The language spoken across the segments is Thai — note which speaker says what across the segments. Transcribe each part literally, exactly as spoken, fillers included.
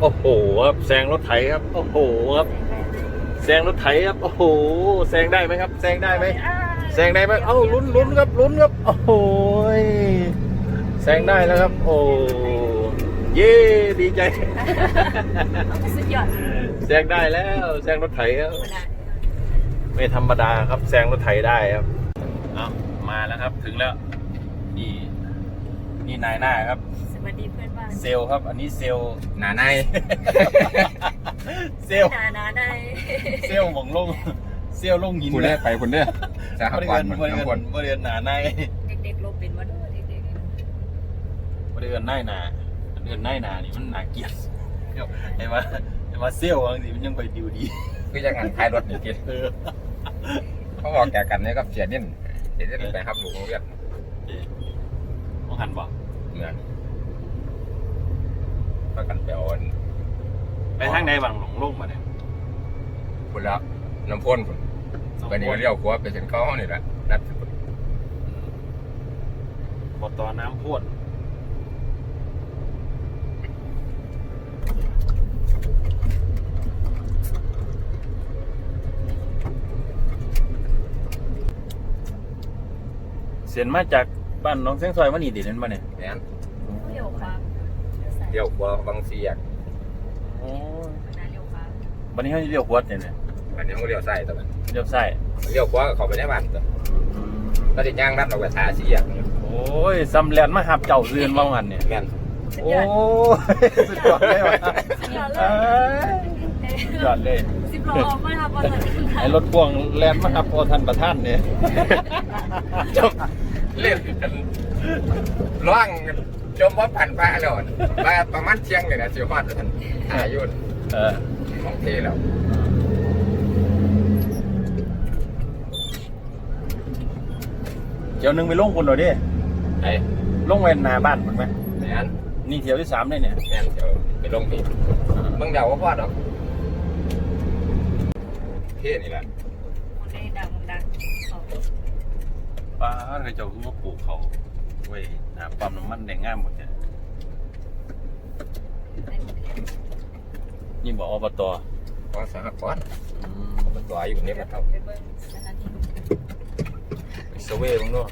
Speaker 1: โอ้โหครับแซงรถไถครับโอ้โหครับแซงรถไถครับโอ้โหแซงได้ไหมครับแซงได้ไหมแซงได้ไหมเอ้าลุ้นลุ้นครับลุ้นครับโอ้โหแซงได้แล้วครับโอ้เย้ดีใจ
Speaker 2: สุดยอด
Speaker 1: แซงได้แล้วแซงรถไถครับไม่ธรรมดาครับแซงรถไถได้ครับเอามาแล้วครับถึงแล้วนี่นี่นายหน้าครับ
Speaker 2: สวัสดีเพื่อนบ้าน
Speaker 1: เซลครับอันนี้เซล
Speaker 3: หนาใน
Speaker 1: เซล
Speaker 2: หนาหนาใน
Speaker 1: เซลหมองลงเซลลงหิน
Speaker 3: คุณได้ไปคุณเนี่ยสาหัสวันเหมือนทั้งคน
Speaker 1: บริเวณหนาใน
Speaker 2: เด็กๆลบเป็นวันเด็ก
Speaker 1: ๆบริเวณหน้าหนาบริเวณหน้าหนานี่มันหนาเกียรติไอ้มาไอ้มาเซลบางทีมันยังไปดิวดี
Speaker 3: คือจะงานขายรถนี่กินเขาบอกแกกันเนี่ยกับเสียนิ่นเสียนิ่นไปครับหลวงเรียก
Speaker 1: มองหันบอก
Speaker 3: เหมือนก็กันไปอ่อน
Speaker 1: ไปทางไหนบางหลงลงมาเนี่ย
Speaker 3: คุณแล้วน้ำพ่นคุณไปนี่เลี้ยวขวาไปเส้นเข้าห้องนี่แหละนัด
Speaker 1: บอต่อน้ำพ่นเสียนมาจากบ้านน้องเส้งซอยมันนี่ดินั่นมาเนี่ย
Speaker 3: เนี่ย
Speaker 2: เลี้ยวขวา
Speaker 3: เลี้ยวขวาบางเสียก
Speaker 1: โอ้วันนี้เขาเลี้ยวขวาเนี่ยเนี่ย
Speaker 3: วันนี้เขาเลี้ยวซ้ายตัวมัน
Speaker 1: เลี้ยวซ้าย
Speaker 3: เลี้ยวขวาเขาไปในบ้านตัวก็จะย่างรัดเราไปทาเสียก
Speaker 1: โอ้ยซ้ำแลนมาหับเจ้าเรือนว่างันเนี่ย
Speaker 3: แม่น
Speaker 1: โอ้สุดยอดเลยว่ะสุดยอดเลยสุดยอดเลย
Speaker 2: สิบโลออกมาครับ
Speaker 1: ไอ้รถพ่วงแลนมาหับพอทันประท่านเนี่ย
Speaker 3: จบเล่นกันร่างจมว่าผ่านป้าแล้วป้าประมาณเที่ยงเลยนะชิวฮอดท่านอายุ
Speaker 1: เออ
Speaker 3: ของเทแล้ว
Speaker 1: เดี๋ยวนึงไปลงคนหน่อยดิ
Speaker 3: ไอ้
Speaker 1: ลงเวนนาบ้านมันไหม
Speaker 3: แม่น
Speaker 1: นี่เที่ยวที่สามได้เนี่ย
Speaker 3: แม่นเดี๋ยวไปลงที่เมืองเดาว่าพอดหรอกเทนี่แหละ
Speaker 2: ได้ดังดัง
Speaker 1: ป้าเคยเจ้าคือว่าปลูกเขาไว้หาปั๊มน้ำมันแดงง่ามหมดเนี่ยนี่บอกอบต.
Speaker 3: ก็สหกรณ์อบต.อยู่นี่มาเท่า
Speaker 1: สเวย์บ้างเนาะ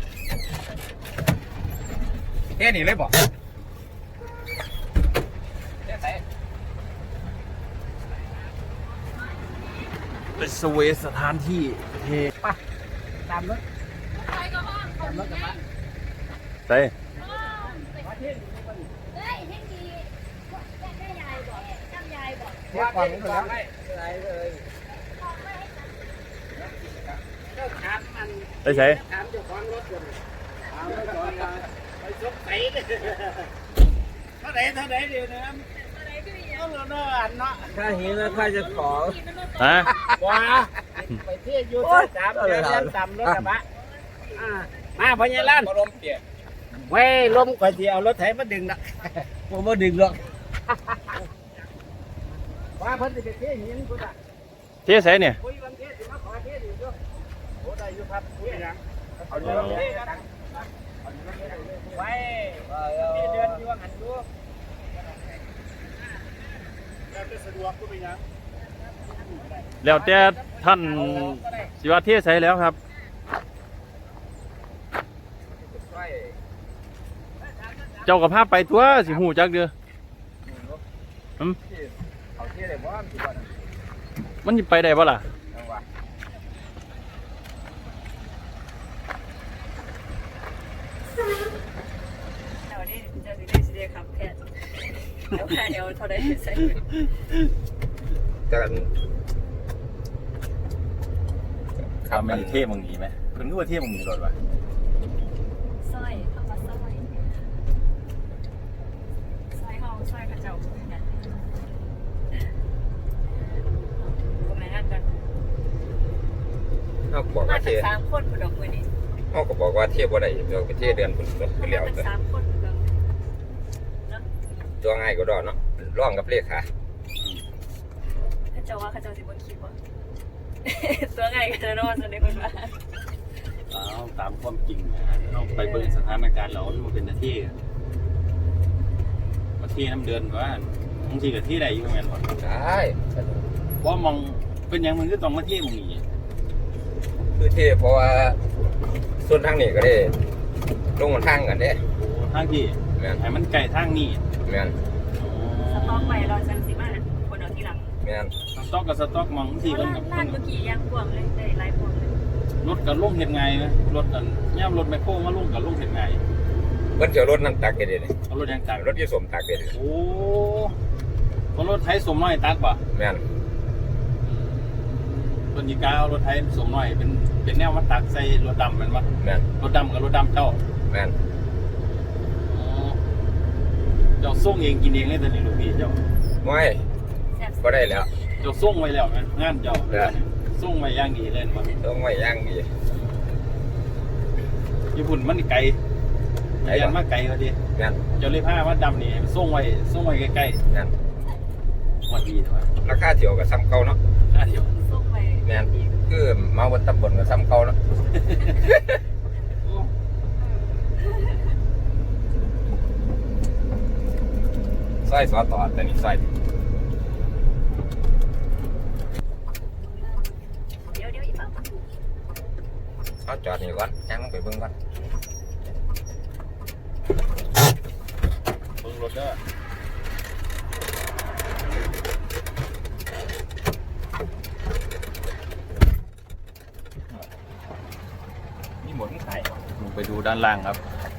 Speaker 3: เฮ้นี่เลยบอก
Speaker 1: เป็นสเวย์สถานที่เฮป่ะ
Speaker 3: ตามรถตามรถกลับมา
Speaker 1: ใส่
Speaker 3: ว่าก่อนนี้แล้วอะไรเลย
Speaker 1: ไปใส่
Speaker 3: ถามเจ้าของรถก่อนถามเจ้าของไปซบใส่เลยเท่าไหร่เท่าไหร่เดี๋ยวนะต้องเนาะอันเนาะถ้าเห็นแล้วถ้าจะขอ
Speaker 1: ฮะ
Speaker 3: ว้าไปเที่ยวยูทูบสามเดือนต่ำรถกระบะมาพญาลั่นลมเปียกเว้ยลมก่อนที่เอารถไถมาดึงนะผมมาดึงหรอกว่าเพิ่นจะไปเที่ยวหินกูจ้ะ
Speaker 1: เที่ยวใส่เนี่ย
Speaker 3: คุยวันเที่ยวสิมาขอเที่ยวอยู่ด้วยโอ้ได้อยู่ครับคุยยังเอาเรื่องนี้กันไว้ที่เดือนอยู่ว่างันดูแล้วจะสะดวกกูไปยัง
Speaker 1: แล้วแต่ท่านสิว่าเที่ยวใส่แล้วครับเจ้ากับภาพไปตัวสิหูจักเด้ออืมมันไปได้ปะล่ะ
Speaker 2: เดี๋ยวนี้จะได้สิได้ครับแค่เดี๋ยวแค่เดี๋ยวเท่าไรใส่
Speaker 3: กัน
Speaker 1: ข้าวมันเท่มึงหนีไหมเพิ่นก็ว่าเท่มึงหนีรถวะ
Speaker 2: สร้อยเข้ามาสร้อยสร้อยห้องสร้อยกระเจ้า
Speaker 3: เขาบอกว่าเที่ยว
Speaker 2: สามคนผู้ดอกมือนี่
Speaker 3: เขาก็บอกว่าเที่ยวบ่ได้เราไปเที่ยวเดือนคุณก็เลี้ยวแต่
Speaker 2: สามคนผู้ดอก
Speaker 3: ตัวง่ายก็ดอนเนาะร่องกับเลขา
Speaker 2: ข้าเจ้าว่าข้าเจ้าสิบนคิดว่าตัวง่ายกันนะว่าจะได้คนมา
Speaker 1: เอาตามความจริงเราไปเบิ่งสถานการณ์เรามันเป็นหน้าที่มาที่น้ำเดือนว่าางทีกับที่ใดอยู่แม่นบ่
Speaker 4: ได้สะดวก
Speaker 1: ว่ามองเป็นหยังมันก็ต้องมาที่มึงนี่
Speaker 4: คือที่เพราะว่าส่วนทางนี้ก็ได้ลงทางกันเด้
Speaker 1: โอ้ทางที่
Speaker 4: แม่น
Speaker 1: ให้มันไกลทางนี้
Speaker 4: แม่น
Speaker 2: สต็อกไปเราจังสิมาคนเอาที่หลัง
Speaker 4: แม่น
Speaker 1: สต็อกกับสต็อกมองที่
Speaker 2: เพ
Speaker 1: เพิ่
Speaker 2: ราะ
Speaker 1: น
Speaker 2: ร้า
Speaker 1: กับ
Speaker 2: นร้านเมื่อกี้ยังพวงเลยได้หลายพวงเลย
Speaker 1: รถกับลงเฮ็ดไงนะรถกันย่ำรถแมคโครมาลงกับลงเฮ็ดไง
Speaker 4: เพิ่นจะเอารถนั่นตักเด้เลย
Speaker 1: เอารถยังตัก
Speaker 4: รถยี่สมตักเด้เลย
Speaker 1: โอ้คนรถไทยสมน้อยตักป่ะ
Speaker 4: แม่น
Speaker 1: คนยีกาเอารถไทยสมน้อยเป็นเป็นแนวมาตักใส่รถดำแมันป่ะ
Speaker 4: แม่น
Speaker 1: รถดำกับรถดำเจ้า
Speaker 4: แม่น
Speaker 1: อ๋อเจ้าส่งเองกินเองเลยแต่นี่ลูกพี่เจ้า
Speaker 4: ไม่
Speaker 2: แซ่บ
Speaker 4: บ่ได้แล้ว
Speaker 1: เจ้าส่งไว้แล้วไงงานเจ้า
Speaker 4: เออ
Speaker 1: ส่งไว้อย่างดีเลยมั้ง
Speaker 4: ต้องไว้อย่างดี
Speaker 1: ญี่ปุ่นมันไกล
Speaker 4: ไกล
Speaker 1: เรียน
Speaker 4: บ่
Speaker 1: มาไกลเขาดิ
Speaker 4: แม่น
Speaker 1: เจ้าเลยผ้าว่าดำนี่ส่งไว้ส่งไว้ใกล้
Speaker 4: แม่น
Speaker 1: ๆวันดีว่า
Speaker 4: ราคาเที่ยวก็ซ้ำเก่าเนาะ
Speaker 1: ค่าเดียว
Speaker 2: ส่งไป
Speaker 4: แม่นคือมาบนตำบลก็ซ้ำเก่าเนาะซอยสอต่อแต่นี่ซอย
Speaker 2: เดี๋ยวเดี๋ยวอีกเป้า
Speaker 4: เอาจอดนี่ก่อนยังลงไปเบิ่งก่อน
Speaker 1: เบิ่งรถเด้อ
Speaker 4: มีหมดขาย
Speaker 1: ลงไปดูด้านล่างครับ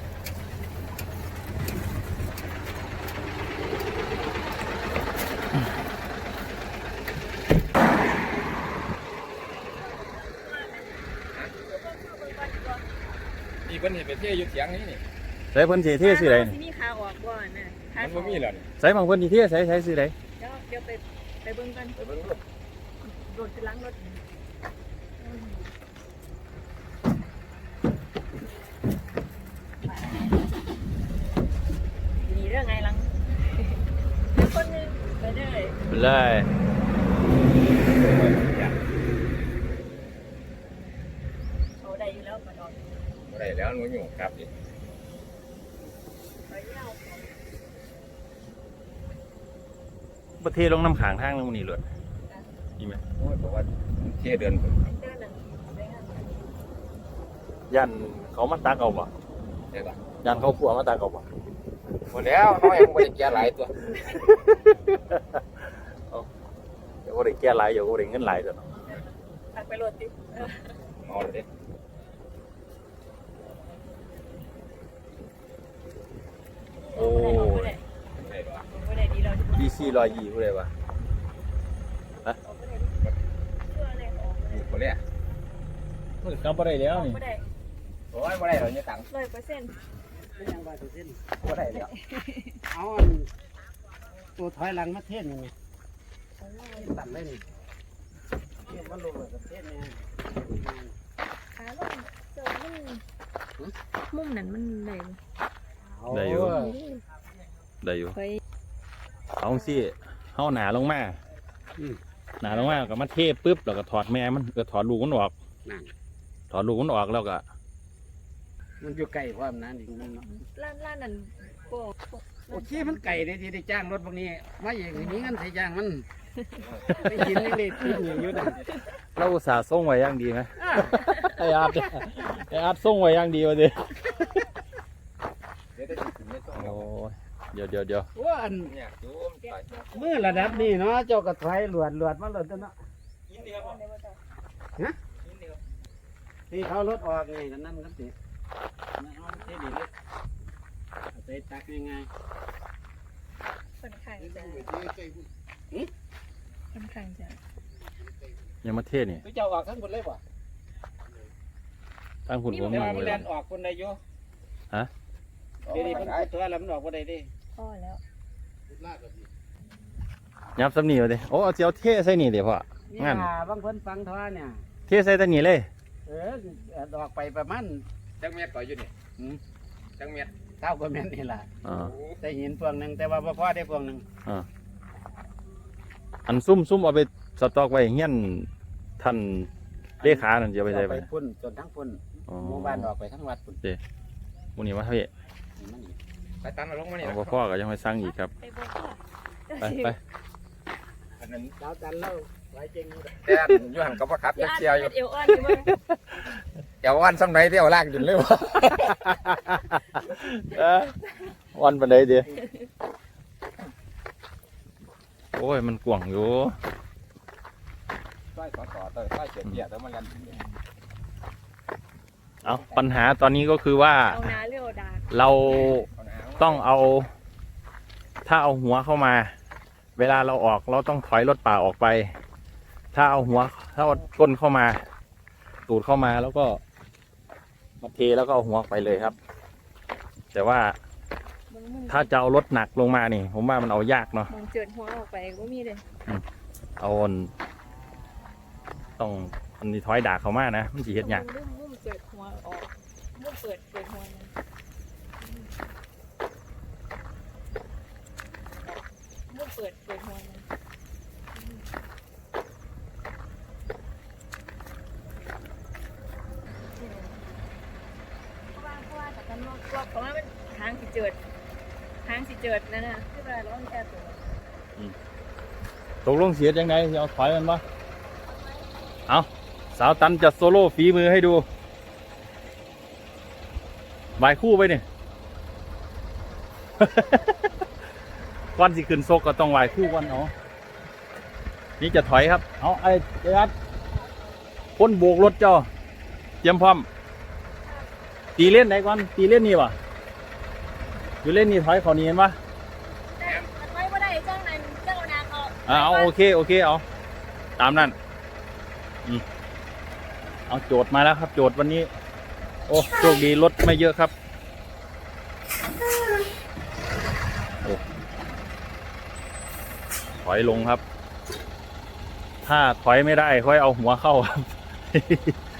Speaker 4: นี่เพิ่นเห็นไปเที่ยวอยู่เถียงนี้นี่
Speaker 1: ใส่เพิ่นสิเที่สิได
Speaker 2: สิมีขาออกบ่น่ะขา
Speaker 4: มันบ่มีแล้วนี่
Speaker 1: ใส่บางเพิ่นสิเที่ใส่ใส่สิได
Speaker 2: เดี๋ยวเดี๋ยวไปไปเบิ่งกัน
Speaker 4: ไปเบิ่งดู
Speaker 2: รถคือล้างรถมีเรื่องไงลังคนนึงไปเลย
Speaker 1: ไปเลย
Speaker 2: เขาได้อยู่แล้วมาดอน
Speaker 4: บ่ได้แล้วหนูอยู่กลับดิ
Speaker 2: ไปเล่า
Speaker 1: ประเทศลงน้ำขางทางนึงนี่เลยนี่ไหม
Speaker 4: โอ้ยเพราะว่าเที่ยวเดือนพุ่น
Speaker 2: เดินหนึ่งไปงาน
Speaker 1: ยันเขามาตักเอาบ่
Speaker 4: ได้ป่ะ
Speaker 1: ยันเขาขัวมาตักเอาบ่
Speaker 4: หมดแล้วน้อยบ่ได้แก่หลายตัว
Speaker 1: เดี๋ยวก็ได้แก้หลายเดี๋ยวก็ได้เงินหลายตัวเนาะ
Speaker 2: ตักไปรถติเออ
Speaker 4: เอาเลยเด้
Speaker 1: โอ้
Speaker 2: ไม่
Speaker 1: ย
Speaker 2: ได้
Speaker 4: ได้ป่ะ
Speaker 2: ไม่ได้ดีเรา
Speaker 1: ดีซีรอยยี่ผู้ใดวะ
Speaker 2: ไม่ได้เชื่อเลยออกไม่ได้
Speaker 4: บ่เลย
Speaker 1: มันกำบ่ได้แล้วนี่
Speaker 2: ไม่ได้
Speaker 4: โอ้ยบ่ได้ดอกเนี่ยตังค์
Speaker 2: ร้อยเปอร์เซ็นต์
Speaker 3: ยังว่าจะเส้น
Speaker 4: บ่ได้แล้ว
Speaker 3: เอาอันตัวถอยหลังมาเทศนี่ตัดเลยนี่เทียบว่าลงเลยกับเทศเนี่ย
Speaker 2: ขาลงเจอมันมุมนั้นมันเลย
Speaker 1: ได้อยู่ได้อยู่
Speaker 2: ไป
Speaker 1: เอาสิเฮาหนาลงมาหนาลงมาก็มาเทปุ๊บแล้วก็ถอดแม่มันก็ถอดลูกมันออก
Speaker 3: นั่น
Speaker 1: ถอดลูกมันออกแล้วก็
Speaker 3: มันอยู่ไกลความนั้นอีกมันเนาะ
Speaker 2: ร้านร้านนั้นโปะ
Speaker 3: โอเคมันไก่ได้ที่ได้จ้างรถพวกนี้มาอย่างนี้เงินใส่จ้างมันไม่กินนี่เลยทิ้งอย่างอยู่นะ
Speaker 1: เราอุตส่าห์ส่งไว้อย่างดีไหมไออาร์ตไออาร์ตส่งไว้อย่างดีวะดิ
Speaker 4: เดี๋ยวได้สิไม่ต้อง
Speaker 1: โอ้ยเดี๋ยวเดี๋ยวเดี๋ยว
Speaker 3: ว่าอัน
Speaker 4: เนี่ยจูมไป
Speaker 3: มือระดับนี้เนาะเจ้ากระถอยหลวดหลวดมาหลวดตัวเนาะที่เขารถออกไงกันนั่นครับสิไม่เอาเท่ดีเลยเอาไปตักยังไง
Speaker 2: ค่อนข้างจะค่อนข้างจะ
Speaker 1: ยังมาเทศนี่
Speaker 3: ไปเจ้าออกทั้งหมดเลยป่ะ
Speaker 1: ตั้งหุ่นผม
Speaker 3: เดี๋ยว
Speaker 1: มา
Speaker 3: มัน
Speaker 1: เล
Speaker 3: เดิ
Speaker 1: ย
Speaker 3: นออกคนใดอยู่
Speaker 1: ฮะ
Speaker 3: เดี๋ยวนี้มันตัวแล้วมันออกคนใดดิ
Speaker 2: พ่อแล้ว
Speaker 1: ยับสำนีวะดิโอ้เอาเจียวเทใส่นี่เดี๋ยวพ่อ
Speaker 3: นี่
Speaker 1: งั้น
Speaker 3: ล่ะบางคนฟังท่อเนี่ย
Speaker 1: เทใส่ตัวนี้เลย
Speaker 3: เออดอกไปประมาณ
Speaker 4: จังเม็ดต่ออยู่นี่
Speaker 3: หืม
Speaker 4: จังเม็ด
Speaker 3: เท่ากว่าแม่นนี่แหละ
Speaker 1: อ่า
Speaker 3: ได้หินพวงหนึ่งแต่ว่าบ่พอได้พวงหนึ่ง
Speaker 1: อ่าอันซุ่มซุ่มเอาไปสต็อกไว้เงี้ยนท่านเลขานั่นจะเอาไปใส่
Speaker 3: เอา
Speaker 1: ไป
Speaker 3: ไปพุ่นจนทั้งพุ่น
Speaker 1: อ๋อ
Speaker 3: หมู่บ้านออกไปทั้งวัดพุ่น
Speaker 1: มูนี่ว่าเฮ้ย
Speaker 3: นี่มันอีก
Speaker 4: ไปตันมาลงมานี่
Speaker 1: เอา
Speaker 4: นะ
Speaker 1: บ่พ่อก็ยังไม่สั่งอีกครับ
Speaker 2: ไปบอกว่าแต่
Speaker 1: ไปไป
Speaker 4: อันนั้น
Speaker 3: ดาวจันทร์แล้วไว้เก่งอยู่เลย
Speaker 4: แต่อันอยู่หันกับว่าขับ
Speaker 2: พี่
Speaker 4: จะ
Speaker 2: อาร์ต
Speaker 4: เชียวอยู่
Speaker 2: เอวอ่อนอยู่มั้ง
Speaker 4: เดี๋ยววันซ้ำไหนที่เอาลากอยู่เลยวะ
Speaker 1: เอ้อวันปันไดเดียวโอ้ยมันกว่างอยู่
Speaker 4: ใต้ต่อต่อเตยใต้เสียเปียแล้วมันกัน
Speaker 1: เอาปัญหาตอนนี้ก็คือว่า
Speaker 2: เอานาเรียวดา
Speaker 1: เราต้องเอา ถ้าเอาหัวเข้ามา เวลาเราออกเราต้องถอยรถป่าออกไป ถ้าเอาหัวถ้าเอาก้นเข้ามา ตูดเข้ามาแล้วก็มาเทแล้วก็เอาหัวไปเลยครับ แต่ว่าถ้าจะเอารถหนักลงมานี่ ผมว่ามันเอายากเนาะ
Speaker 2: มองเจิดหัวออกไปก็มีเลย
Speaker 1: เอาอันต้องอันนี้ถอยดากเขามานะมันจีเฮ็ดยาก
Speaker 2: มุ่มมุ่มเจิดหัวออกมุ่มเปิดเปิดหัวมันมุ่มเปิดเปิดหัวมันเพราะว่าเพราะว่าแต่กันว่าเพราะว่ามันทางสิเจิดทางสิเจิดนั่นน่ะที่ว่าร้องแค่ตัว
Speaker 1: ตกลงเสียยังไงเอาถอยมันปะเอาสาวตันจะโซโล่ฝีมือให้ดูบายคู่ไปเนี่ย ก้อนสิขึ้นโซกก็ต้องวายคู่ก้อนเอานี่จะถอยครับเอาไอ้เจัดพ้นโบกรถเจ้าเตรียมพร้อมตีเล่นไหนก่อนตีเล่นนี่วะอยู่เล่นนี่ถอยเขานี่เห็นปะ
Speaker 2: แต่มันไว้บ่ได้เจ้านั้นเจ้านาเขา
Speaker 1: อ่าเอาโอเคโอเคเอาตามนั้นอืมเอาโจทย์มาแล้วครับ โจทย์วันนี้ โอ้โชคดีรถไม่เยอะครับโอ้ถอยลงครับ ถ้าถอยไม่ได้ค่อยเอาหัวเข้าครับ